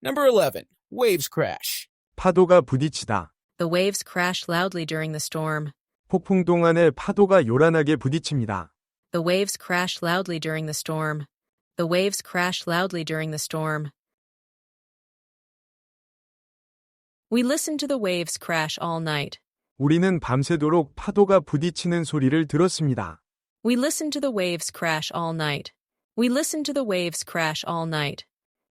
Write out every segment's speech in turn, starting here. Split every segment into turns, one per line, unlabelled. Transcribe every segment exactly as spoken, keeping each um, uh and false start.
Number eleven. Waves crash.
파도가 부딪히다.
The waves crash loudly during the storm.
폭풍 동안에 파도가 요란하게 부딪힙니다.
The waves crash loudly during the storm. The waves crash loudly during the storm. We listened to the waves crash all night.
우리는 밤새도록 파도가 부딪히는 소리를 들었습니다.
We listened to the waves crash all night. We listened to the waves crash all night.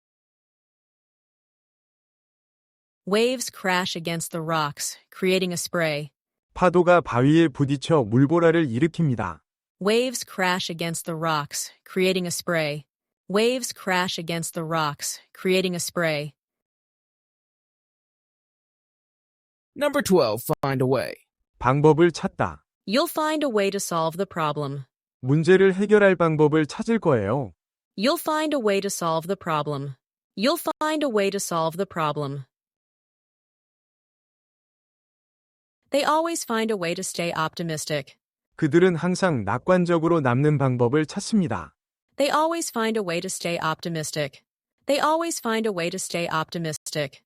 Waves crash against the rocks, creating a spray.
파도가 바위에 부딪혀 물보라를 일으킵니다.
Waves crash against the rocks, creating a spray. Waves crash against the rocks, creating a spray.
Number twelve. Find a way.
방법을 찾다.
You'll find a way to solve the problem.
문제를 해결할 방법을 찾을 거예요.
You'll find a way to solve the problem. You'll find a way to solve the problem. They always find a way to stay optimistic.
그들은 항상 낙관적으로 남는 방법을 찾습니다.
They always find a way to stay optimistic. They always find a way to stay optimistic.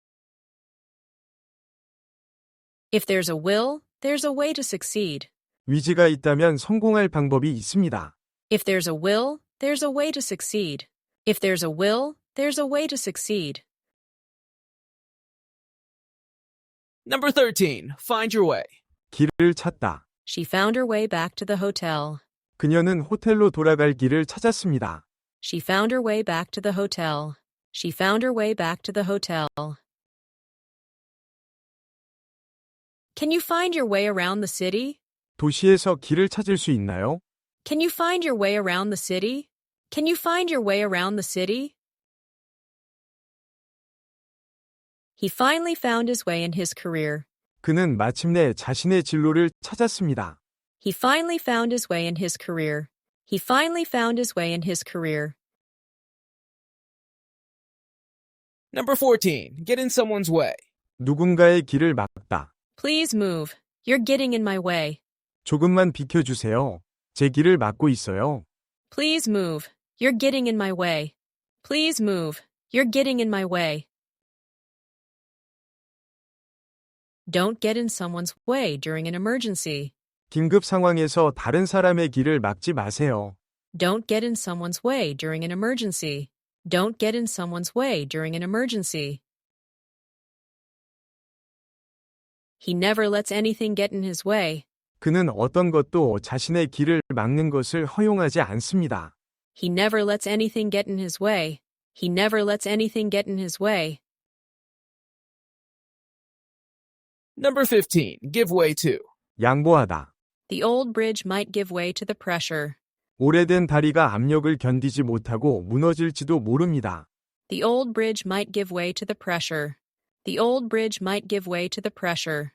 If there's a will, there's a way to succeed.
위지가 있다면 성공할 방법이 있습니다.
If there's a will, there's a way to succeed. If there's a will, there's a way to succeed.
Number thirteen. Find your way.
길을 찾다.
She found her way back to the hotel.
그녀는 호텔로 돌아갈 길을 찾았습니다.
She found her way back to the hotel. She found her way back to the hotel. Can you find your way around the city?
도시에서 길을 찾을 수 있나요?
Can you find your way around the city? Can you find your way around the city? He finally found his way in his career.
그는 마침내 자신의 진로를 찾았습니다.
He finally found his way in his career. He finally found his way in his career.
Number fourteen. Get in someone's way.
누군가의 길을 막다.
Please move. You're getting in my way.
조금만 비켜주세요. 제 길을 막고 있어요.
Please move. You're getting in my way. Please move. You're getting in my way. Don't get in someone's way during an emergency.
긴급 상황에서 다른 사람의 길을 막지 마세요.
Don't get in someone's way during an emergency. Don't get in someone's way during an emergency. He never lets anything get in his way.
그는 어떤 것도 자신의 길을 막는 것을 허용하지 않습니다.
He never lets anything get in his way. He never lets anything get in his way.
Number fifteen. Give way to.
양보하다.
The old bridge might give way to the pressure.
오래된 다리가 압력을 견디지 못하고 무너질지도 모릅니다.
The old bridge might give way to the pressure. The old bridge might give way to the pressure.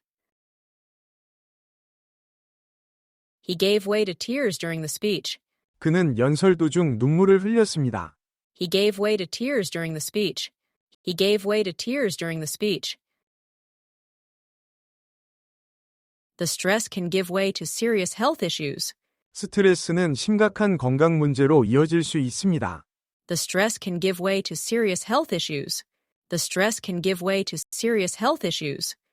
He gave way to tears during the speech.
그는 연설 도중 눈물을 흘렸습니다.
He gave way to tears during the speech. He gave way to tears during the speech. The stress can give way to serious health issues.
스트레스는 심각한 건강 문제로 이어질 수 있습니다.
The stress can give way to serious health issues. The stress can give way to serious health issues.